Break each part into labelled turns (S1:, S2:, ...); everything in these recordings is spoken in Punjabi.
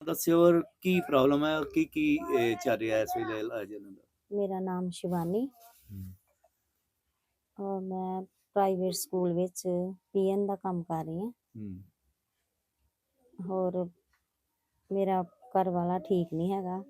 S1: ਦੱਸਿਓ ਔਰ ਕੀ ਪ੍ਰੋਬਲਮ ਹੈ ਔਰ ਕੀ ਚੱਲ ਰਿਹਾ ਇਸ ਵੇਲੇ ਇਲਾਜ ਇਹਨਾਂ ਦਾ?
S2: ਮੇਰਾ ਨਾਮ ਸ਼ਿਵਾਨੀ
S1: ਹੂੰ,
S2: ਔਰ ਮੈਂ ਪ੍ਰਾਈਵੇਟ ਸਕੂਲ ਵਿੱਚ ਪੀਐਨ ਦਾ ਕੰਮ ਕਰ ਰਹੀ ਹਾਂ।
S1: ਹੂੰ,
S2: ਹੋਰ ਮੇਰਾ ਘਰ ਵਾਲਾ ਠੀਕ ਨਹੀਂ ਹੈਗਾ।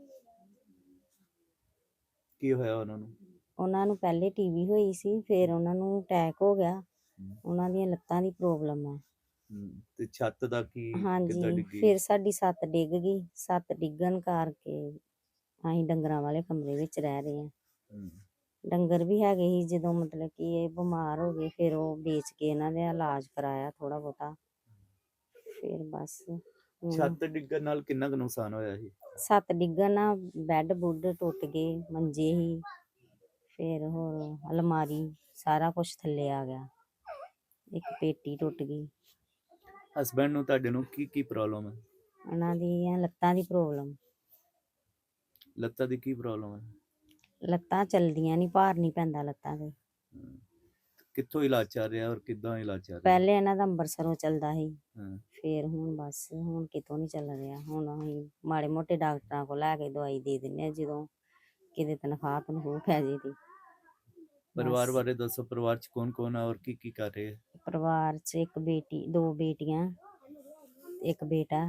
S1: ਕੀ ਹੋਇਆ ਉਹਨਾਂ ਨੂੰ?
S2: ਉਹਨਾਂ ਨੂੰ ਪਹਿਲੇ ਟੀਵੀ ਹੋਈ ਸੀ, ਫਿਰ ਉਹਨਾਂ ਨੂੰ ਅਟੈਕ ਹੋ ਗਿਆ।
S1: ਹੂੰ,
S2: ਉਹਨਾਂ ਦੀਆਂ ਲੱਤਾਂ ਦੀ ਪ੍ਰੋਬਲਮ ਹੈ।
S1: ਤੇ ਛੱਤ ਦਾ ਕੀ ਕਿੱਦਾਂ
S2: ਹਾਂਜੀ,
S1: ਡਿੱਗੀ?
S2: ਫਿਰ ਸਾਡੀ ਛੱਤ ਡਿੱਗ ਗਈ। ਛੱਤ ਡਿੱਗਣ ਕਰਕੇ ਅਸੀਂ ਡੰਗਰਾਂ ਵਾਲੇ ਕਮਰੇ ਵਿੱਚ ਰਹਿ ਰਹੇ ਹਾਂ।
S1: ਹੂੰ,
S2: ਡੰਗਰ ਵੀ ਹੈਗੇ ਸੀ। ਜਦੋਂ ਮਤਲਬ ਕਿ ਇਹ ਬਿਮਾਰ ਹੋ ਗਏ, ਫਿਰ ਉਹ ਵੇਚ ਕੇ ਇਹਨਾਂ ਦਾ ਇਲਾਜ ਕਰਾਇਆ ਥੋੜ੍ਹਾ ਬਹੁਤਾ। ਫਿਰ ਬਸ ਹੁਣ
S1: ਛੱਤ ਡਿੱਗਣ ਨਾਲ ਕਿੰਨਾ ਕੁ ਨੁਕਸਾਨ ਹੋਇਆ ਸੀ?
S2: ਛੱਤ ਡਿੱਗਣ ਨਾਲ ਬੈੱਡ ਬੁੱਡ ਟੁੱਟ ਗਏ, ਮੰਜੇ ਸੀ, ਫਿਰ ਹੋਰ ਅਲਮਾਰੀ ਸਾਰਾ ਕੁਛ ਥੱਲੇ ਆ ਗਿਆ। ਇੱਕ ਪੇਟੀ ਟੁੱਟ ਗਈ।
S1: ਹਸਬੈਂਡ ਨੂੰ ਤੁਹਾਡੇ ਨੂੰ ਕੀ ਪ੍ਰੋਬਲਮ ਹੈ?
S2: ਉਹਨਾਂ ਦੀਆਂ ਲੱਤਾਂ ਦੀ ਪ੍ਰੋਬਲਮ।
S1: ਲੱਤਾਂ ਦੀ ਕੀ ਪ੍ਰੋਬਲਮ ਹੈ?
S2: ਲੱਤਾਂ ਚਲਦੀਆਂ ਨਹੀਂ, ਭਾਰ ਨਹੀਂ ਪੈਂਦਾ ਲੱਤਾਂ ਤੇ।
S1: ਹੂੰ, ਕਿੱਥੋਂ ਇਲਾਜ ਚੱਲ ਰਿਹਾ ਔਰ ਕਿੱਦਾਂ ਇਲਾਜ ਚੱਲ ਰਿਹਾ?
S2: ਪਹਿਲੇ ਇਹਨਾਂ ਦਾ ਅੰਬਰਸਰੋਂ ਚੱਲਦਾ ਸੀ,
S1: ਹਾਂ,
S2: ਫਿਰ ਹੁਣ ਬਸ ਹੁਣ ਕਿਤੋਂ ਨਹੀਂ ਚੱਲ ਰਿਹਾ। ਹੁਣ ਅਸੀਂ ਮਾੜੇ ਮੋਟੇ ਡਾਕਟਰਾਂ ਕੋਲ ਲੈ ਕੇ ਦਵਾਈ ਦੇ ਦਿੰਦੇ ਹਾਂ, ਜਦੋਂ ਕਿਤੇ ਤਨਖਾਹ ਤਨਖੂਹ ਪੈ ਜੇ ਤੇ। ਬਸ
S1: ਪਰਿਵਾਰ ਬਾਰੇ ਦੱਸੋ, ਪਰਿਵਾਰ ਚ ਕੌਣ ਕੌਣ ਹੈ ਔਰ ਕੀ ਕਰ ਰਹੇ ਹੈ?
S2: ਪਰਿਵਾਰ 'ਚ ਇੱਕ ਬੇਟੀ, ਦੋ ਬੇਟੀਆਂ, ਇੱਕ ਬੇਟਾ।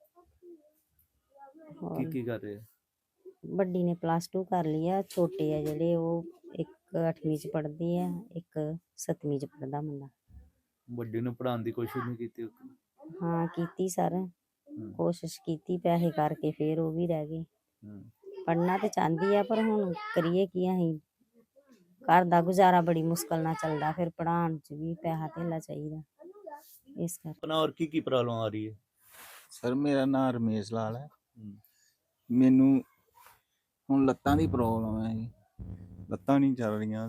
S2: ਹੋਰ
S1: ਕੀ ਕਰ ਰਹੇ ਹੈ?
S2: ਵੱਡੀ ਨੇ +2 ਕਰ ਲਈ ਆ। ਛੋਟੇ ਆ ਜਿਹੜੇ ਉਹ ਇੱਕ 8ਵੀਂ 'ਚ ਪੜ੍ਹਦੀ ਆ, ਇੱਕ 7ਵੀਂ 'ਚ ਪੜ੍ਹਦਾ ਮੁੰਡਾ।
S1: ਵੱਡੀ ਨੂੰ ਪੜ੍ਹਾਉਣ ਦੀ ਕੋਸ਼ਿਸ਼ ਨਹੀਂ ਕੀਤੀ?
S2: ਹਾਂ ਕੀਤੀ ਸਰ,
S1: ਹੂੰ,
S2: ਕੋਸ਼ਿਸ਼ ਕੀਤੀ, ਪੈਸੇ ਕਰਕੇ ਫਿਰ ਉਹ ਵੀ ਰਹਿ ਗਏ।
S1: ਹੂੰ,
S2: ਪੜ੍ਹਨਾ ਤੇ ਚਾਹੁੰਦੀ ਆ, ਪਰ ਹੁਣ ਕਰੀਏ ਕੀ ਅਸੀਂ। ਘਰ ਦਾ ਗੁਜ਼ਾਰਾ ਬੜੀ ਮੁਸ਼ਕਲ ਨਾਲ ਚੱਲਦਾ, ਫਿਰ ਪੜ੍ਹਾਉਣ 'ਚ ਵੀ ਪੈਸਾ ਧੇਲਾ ਚਾਹੀਦਾ, ਇਸ ਕਰਕੇ।
S1: ਆਪਣਾ ਔਰ ਕੀ ਪ੍ਰੋਬਲਮ ਆ ਰਹੀ ਹੈ?
S3: ਸਰ ਮੇਰਾ ਨਾਮ ਰਮੇਸ਼ ਲਾਲ ਹੈ।
S1: ਹੂੰ,
S3: ਮੈਨੂੰ ਹੁਣ ਲੱਤਾਂ ਦੀ ਪ੍ਰੋਬਲਮ ਹੈ ਜੀ। ਲੱਤਾਂ ਨਹੀਂ ਚੱਲ ਰਹੀਆਂ,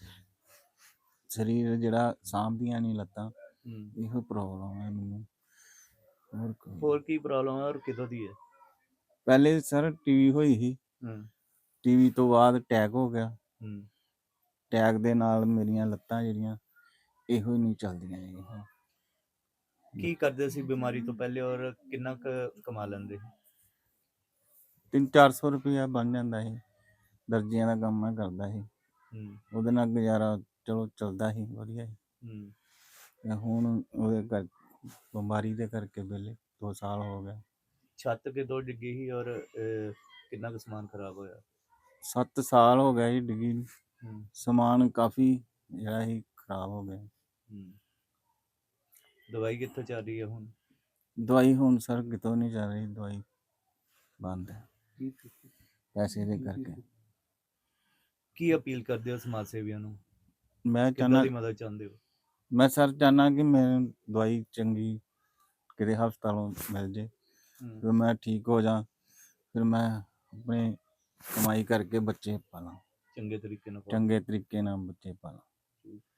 S3: ਸਰੀਰ ਜਿਹੜਾ ਸਾਂਭਦੀਆਂ ਨਹੀਂ ਲੱਤਾਂ।
S1: ਹੂੰ,
S3: ਇਹੋ ਪ੍ਰੋਬਲਮ ਹੈ ਮੈਨੂੰ।
S1: ਹੋਰ ਕੀ ਪ੍ਰੋਬਲਮ ਹੈ ਔਰ ਕਿਦੋਂ ਦੀ ਹੈ?
S3: ਪਹਿਲੇ ਸਰ ਟੀਵੀ ਹੋਈ ਸੀ,
S1: ਹੂੰ,
S3: ਟੀਵੀ ਤੋਂ ਬਾਅਦ ਅਟੈਕ ਹੋ ਗਿਆ।
S1: ਹੂੰ,
S3: ਅਟੈਕ ਦੇ ਨਾਲ ਮੇਰੀਆਂ ਲੱਤਾਂ ਜਿਹੜੀਆਂ ਇਹੋ ਹੀ ਨਹੀਂ ਚੱਲਦੀਆਂ ਜੀ।
S1: ਕੀ ਕਰਦੇ ਸੀ ਬਿਮਾਰੀ ਤੋਂ ਪਹਿਲੇ ਔਰ ਕਿੰਨਾ ਕੁ ਕਮਾ ਲੈਂਦੇ?
S3: 300-400 ਰੁਪਇਆ ਬਣ ਜਾਂਦਾ ਸੀ। ਦਰਜੀਆਂ ਦਾ ਕੰਮ ਮੈਂ ਕਰਦਾ ਸੀ,
S1: ਹੂੰ,
S3: ਉਹਦੇ ਨਾਲ ਗੁਜ਼ਾਰਾ ਚਲੋ ਚੱਲਦਾ ਸੀ ਵਧੀਆ ਸੀ।
S1: ਹੂੰ,
S3: ਤੇ ਹੁਣ ਉਹਦੇ ਬਿਮਾਰੀ ਦੇ ਕਰਕੇ ਵਿਹਲੇ 2 ਸਾਲ ਹੋ ਗਏ।
S1: ਛੱਤ ਕਿਦੋਂ ਡਿੱਗੀ ਸੀ ਔਰ ਕਿੰਨਾ ਕੁ ਸਮਾਨ ਖਰਾਬ ਹੋਇਆ?
S3: 7 ਸਾਲ ਹੋ ਗਏ ਜੀ ਡਿੱਗੀ ਨੂੰ।
S1: ਹੂੰ,
S3: ਸਮਾਨ ਕਾਫੀ ਜਿਹੜਾ ਸੀ ਖਰਾਬ ਹੋ ਗਿਆ।
S1: ਹੂੰ, ਦਵਾਈ ਕਿੱਥੋਂ ਚੱਲ ਰਹੀ ਹੈ ਹੁਣ?
S3: ਦਵਾਈ ਹੁਣ ਸਰ ਕਿਤੋਂ ਨਹੀਂ ਚੱਲ ਰਹੀ, ਦਵਾਈ ਬੰਦ ਹੈ ਪੈਸੇ ਦੇ ਕਰਕੇ।
S1: ਕੀ ਅਪੀਲ ਕਰਦੇ ਹੋ ਸਮਾਜ ਸੇਵੀਆਂ ਨੂੰ?
S3: ਮੈਂ
S1: ਕਿੱਦਾਂ
S3: ਚਾਹੁੰਦਾ,
S1: ਦੀ ਮਦਦ ਚਾਹੁੰਦੇ ਹੋ?
S3: ਮੈਂ ਸਰ ਚਾਹੁੰਦਾ ਕਿ ਮੈਨੂੰ ਦਵਾਈ ਚੰਗੀ ਕਿਤੇ ਹਸਪਤਾਲੋਂ ਮਿਲ ਜੇ,
S1: ਹੂੰ,
S3: ਫਿਰ ਮੈਂ ਠੀਕ ਹੋ ਜਾ, ਫਿਰ ਮੈਂ ਆਪਣੇ ਕਮਾਈ ਕਰਕੇ ਬੱਚੇ ਪਾਲਾਂ,
S1: ਚੰਗੇ ਤਰੀਕੇ ਨਾਲ ਪਾਓ।
S3: ਚੰਗੇ ਤਰੀਕੇ ਨਾਲ ਬੱਚੇ ਪਾਲਾਂ।